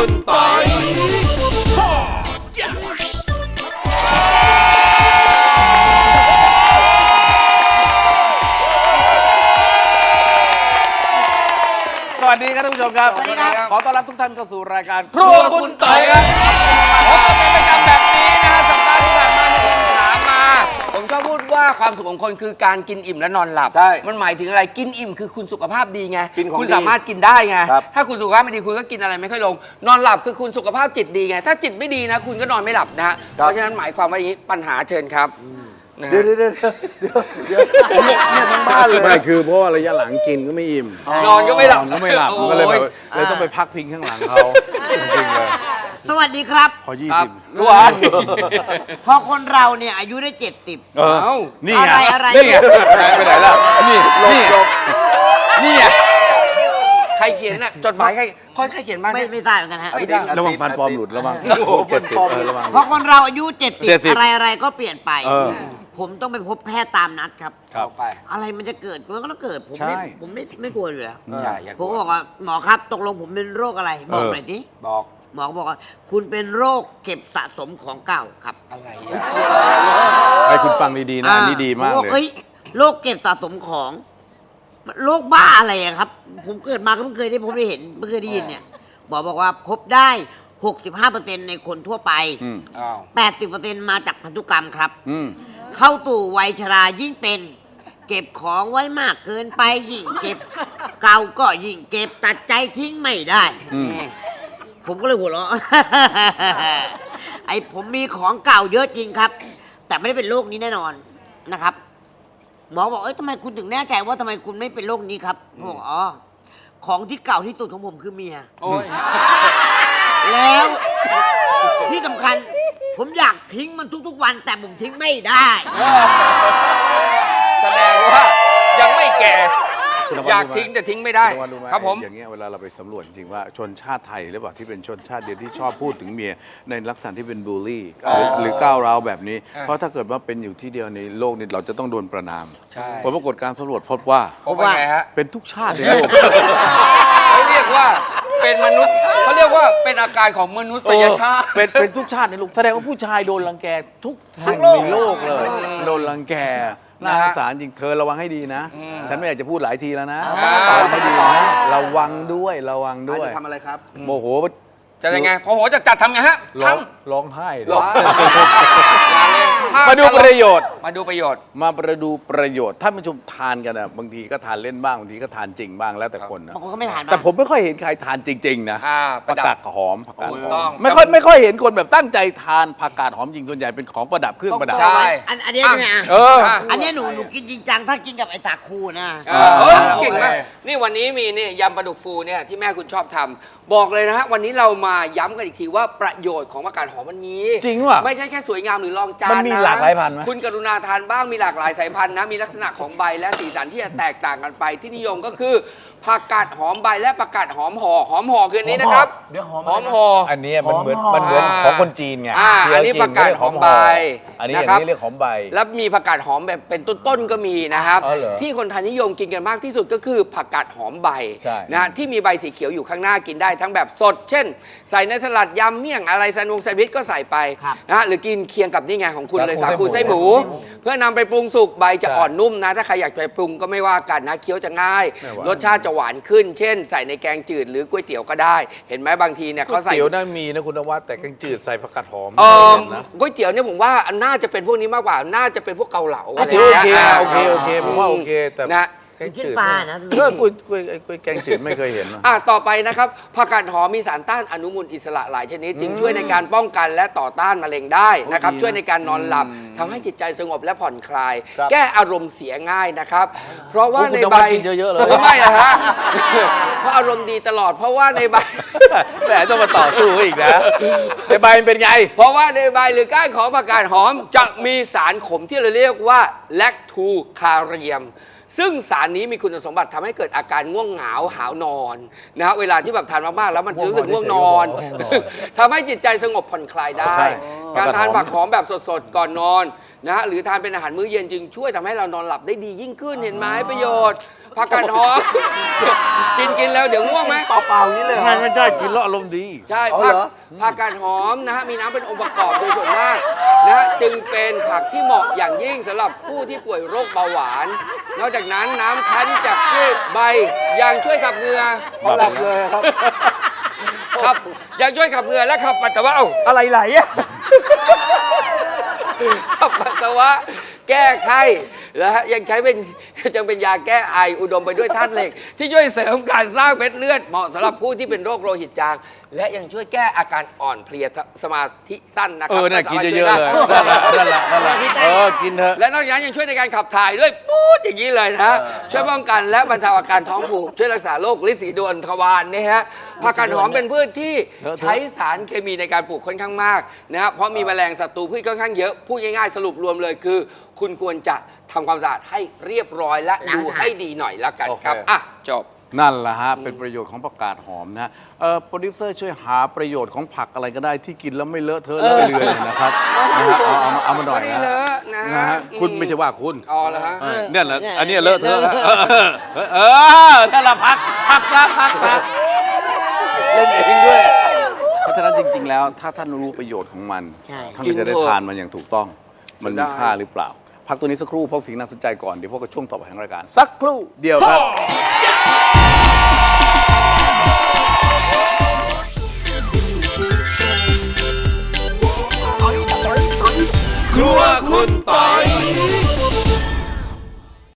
คุณปอยสวัสดีครับท่านผู้ชมครับสวัสดีครับขอต้อนรับทุกท่านเข้าสู่รายการครัวคุณต่อยครับพบกันเป็นประจำแบบนี้นะฮะสัปดาห์ที่ผ่านมามีคนถามมาผมก็พูดว่าความสุขของคนคือการกินอิ่มและนอนหลับใช่มันหมายถึงอะไรกินอิ่มคือคุณสุขภาพดีไงกินของคุณดีสามารถกินได้ไงครับถ้าคุณสุขภาพไม่ดีคุณก็กินอะไรไม่ค่อยลง นอนหลับคือคุณสุขภาพจิตดีไงถ้าจิตไม่ดีนะคุณก็นอนไม่หลับนะฮะเพราะฉะนั้นหมายความว่าอย่างนี้ปัญหาเชิญครับนะฮะเดี๋ยวเนี่ยทั้งบ้านเลยไม่คือเพราะว่าระยะหลังกินก็ไม่อิ่มนอนก็ไม่หลับนอนก็ไม่หลับโอ้มันก็เลยแบบยเลยต้องไปพักพิงข้างหลังเขาจริงๆเลยสวัสดีครับพอครับ 20 รู้ว่าพอคนเราเนี่ยอายุได้70 เออเอ้านี่ไงอะไรนี่ไงหายไปไหนล่ะนี่นี่นี่ไงใครเขียนน่ะจดหมายใครใครเขียนมาไม่เนี่ยไม่ทราบเหมือนกันฮะไม่ได้ระวังฟันปลอมหลุดระวังโอ้โหฟันปลอมระวังพอคนเราอายุ70 70 อะไรก็เปลี่ยนไปเออผมต้องไปพบแพทย์ตามนัดครับครับไปอะไรมันจะเกิดมันก็ต้องเกิดผมใช่ไม่กลัวอยู่แล้วอย่ากผมลัวก็บอกว่าหมอครับตกลงผมเป็นโรคอะไรบอกหน่อยสิบอกหมอก็บอกว่าคุณเป็นโรคเก็บสะสมของเก่าครับอะไรให้คุณฟังดีๆนะอันนี้ดีมากผบอเลยอ้โรคเก็บสะสมของโรคบ้าอะไรอะครับ ผมเกิดมาก็เพิ่งเคยได้ยินเนี่ยหมอบอกว่าพบได้ 65%ในคนทั่วไปอืมอ้าว 80%มาจากพันธุกรรมครับอืมเข้าตู่วัยชรายิ่งเป็น เก็บของไว้มากเกินไปยิ่งเก็บ เก่าก็ยิ่งเก็บตัดใจทิ้งไม่ได้อืมผมก็เลยหัวเราะ ผมมีของเก่าเยอะจริงครับ แต่ไม่ได้เป็นโรคนี้แน่นอนนะครับ หมอบอกทำไมคุณถึงแน่ใจว่าทำไมคุณไม่เป็นโรคนี้ครับผมบอกอ๋อของที่เก่าที่สุดของผมคือเมียโอ้ยแล้วที่สำคัญ ผมอยากทิ้งมันทุกๆวัน แต่ผมทิ้งไม่ได้แสดงว่ายังไม่แก่คุณนวัดอยากรู้ไหมทิ้งแต่ทิ้งไม่ได้คุณนวัดรู้ไหมครับผมอย่างเงี้ยเวลาเราไปสำรวจจริงว่าชนชาติไทยหรือเปล่าที่เป็นชนชาติเดียวที่ชอบพูดถึงเมียในลักษณะที่เป็นบูลลี่หรือก้าวร้าวแบบนี้ เพราะถ้าเกิดว่าเป็นอยู่ที่เดียวในโลกนี้เราจะต้องโดนประณามใช่ผลปรากฏการสำรวจพบว่าผมว่าไงฮะเป็นทุกชาติในโลกเขาเรียกว่าเป็นมนุษย์เขาเรียกว่าเป็นอาการของมนุษยชาติเป็นทุกชาติในโลกแสดงว่าผู้ชายโดนรังแกทุกแห่งในโลกเลย โดนรังแกน่าสงสารจริงเธอระวังให้ดีนะ ฉันไม่อยากจะพูดหลายทีแล้วนะระวังให้ดีนะระวังด้วยระวังด้วยจะทำอะไรครับโมโหจะยังไงพอหัวจัดทำไงฮะร้องทำร้องไห้เลยมามาดูประโยชน์มาดูประโยชน์มาดูประโยชน์ท่านผู้ชมทานกันนะบางทีก็ทานเล่นบ้างบางทีก็ทานจริงบ้างแล้วแต่คนนะบางคนก็ไม่ทานแต่ผมไม่ค่อยเห็นใครทานจริง ๆ นะประดับผักกาดหอมผักกาดหถูกอต้อมงไม่ค่อยเห็นคนแบบตั้งใจทานผักกาดหอมจริงส่วนใหญ่เป็นของประดับเครื่องประดับใช่อันนี้ใช่ไหมอ่ะเอออันนี้หนูกินจริงจังถ้ากินกับไอ้สาคูนะเฮ้ยโอเคเก่งมากนี่วันนี้มีนี่ยำปลาดุกฟูเนี่ยที่แม่คุณชอบทำบอกเลยนะฮะวันนี้เรามาย้ำกันอีกทีว่าประโยชน์ของผักกาดหอมมันมีจริงว่ะไม่ใช่แค่สวยงามหรือรองจานมันมีนะหลากหลายพันธุ์ไหมคุณกรุณาทานบ้างมีหลากหลายสายพันธุ์นะมีลักษณะของใบและสีสันที่จะแตกต่างกันไปที่นิยมก็คือผักกาดหอมใบและผักกาดหอมห่อคืออันนี้นะครับเดี๋ยวหอมหอมห่ออันนี้มันเหมือนหอมมันเหมือนอ่าของคนจีนไง ที่เขอันนี้ผักกาดหอมใบอันนี้นะอย่างครับนี้เรียกหอมใบแล้วมีผักกาดหอมแบบเป็นต้นๆก็มีนะครับอ๋อเหรอที่คนไทยนิยมกินกันมากที่สุดก็คือผักกาดหอมใบใช่นะที่มีใบสีเขียวอยู่ข้างหน้ากินได้ทั้งแบบสด เช่น ใส่ในสลัดยำเมี่ยงอะไรแซนด์วิชก็ใส่ไปครับนะหรือกินเคียงกับนี่ไงของคุณเลยสาคูไส้หมูไส้หมูเพื่อนำไปปรุงสุกใบจะอ่อนนุ่มนะ ถ้าใครอยากไปปรุงก็ไม่ว่ากันนะเคี้ยวจะง่ายไม่หวานรสชาติจะหวานขึ้น เช่น ใส่ในแกงจืดหรือก๋วยเตี๋ยวก็ได้ เห็นไหมบางทีเนี่ยก๋วยเขาใส่เตี๋ยวน่ามีนะคุณนวัดแต่แกงจืดใส่ผักกาดหอมเออเห็นนะก๋วยเตี๋ยวเนี่ยผมว่าน่าจะเป็นพวกนี้มากกว่า น่าจะเป็นพวกเกาเหลาโอเคะไรย่างงี้ยโอเคผมว่าโอเคแต่นะแกงกินจืดปลานะเออกล้วยแกงจืดไม่เคยเห็นนะต่อไปนะครับผักกาดหอมมีสารต้านอนุมูลอิสระหลายชนิด จึงช่วยในการป้องกันและต่อต้านมะเร็งได้นะครับดีนะช่วยในการนอนหลับทำให้จิตใจสงบและผ่อนคลายครับแก้อารมณ์เสียง่ายนะครับ เพราะว่าโอ้คุณในนใบวัดกินเยอะๆเลยไม่อะฮะ เพราะอารมณ์ดีตลอด เพราะว่าในใบแหมต้องมาต่อสู้อีกนะในใบมันเป็นไงเพราะว่าในใบหรือก้านของผักกาดหอมจะมีสารขมที่เราเรียกว่าแลคทูคาเรียม ซึ่งสารนี้มีคุณสมบัติทำให้เกิดอาการง่วงเหงาหาวนอนนะฮะเวลาที่แบบทานมากๆแล้วมันรู้สึกง่วงนอนทำให้จิตใจสงบผ่อนคลายได้ใช่การทานผักหอมแบบสดๆก่อนนอนนะฮะหรือทานเป็นอาหารมื้อเย็นจึงช่วยทำให้เรานอนหลับได้ดียิ่งขึ้นเห็นไหมประโยชน์ผักกาดหอม กินแล้วเดี๋ยวง่วงไหมเปล่าๆอย่างนี้เลยเหรอใช่กินแล้วอารมณ์ดีใช่เอาผัเหรอผักกาดหอมนะฮะมีน้ำเป็นองค์ประกอบโดยส่วนมากนะฮะจึงเป็นผักที่เหมาะอย่างยิ่งสำหรับผู้ที่ป่วยโรคเบาหวาน นอกจากนั้นน้ำคั้นจากพืชใบยังช่วยขับเหงื่อเขาหลับเลยครับครับยังช่วยขับเหงื่อและขับปัสสาวะเอ้าอะไรไหลอะ ขับปัสสาวะแก้ไข้และยังใช้เป็นยังเป็นยาแก้ไออุดมไปด้วยธาตุเหล็ก ที่ช่วยเสริมการสร้างเม็ดเลือดเหมาะสำหรับผู้ที่เป็นโรคโลหิตจาง และยังช่วยแก้อาการอ่อนเพลียสมาธิสั้นนะครัน่ากินสามารถเยอะๆเลยช่วได้นั่นแหละกินเถอะและนอกจากนั้นยังช่วยในการขับถ่ายด้วยปู๊ดอย่างนี้เลยนะฮะช่วยป้องกันและบรรเทาอาการท้องผูกช่วยรักษาโรคลิ้นสีดวนทวารนี่ฮะผักกาดหอมเป็นพืชที่ใช้สารเคมีในการปลูกค่อนข้างมากนะฮะเพราะมีแมลงศัตรูพืชค่อนข้างเยอะพูดง่ายๆสรุปรวมเลยคือ คุณควรจะทำความสะอาดให้เรียบร้อยและดูให้ดีหน่อยละกันครับโอเคอ่ะจบนั่นแหละฮะเป็นประโยชน์ของผักกาดหอมนะฮะโปรดิวเซอร์ช่วยหาประโยชน์ของผักอะไรก็ได้ที่กินแล้วไม่เลอะเทอะเลอะเลือนนะครับนะฮะเอามาหน่อยไม่นะเลอะนะนะฮะคุณไม่ใช่ว่าคุณอ๋อแล้วฮะเนี่ยแหละอันนี้เลอะเทอะนั่นแหละพักเล่นเองด้วย เพราะฉะนั้นจริง ๆ แล้วถ้าท่านรู้ประโยชน์ของมันใช่ท่านก็จะได้ทานมันอย่างถูกต้อง มันมีค่าหรือเปล่า พักตัวนี้สักครู่พบสิ่งน่าสนใจก่อนเดี๋ยวพบกับช่วงต่อไปของรายการสักครู่เดียวครับ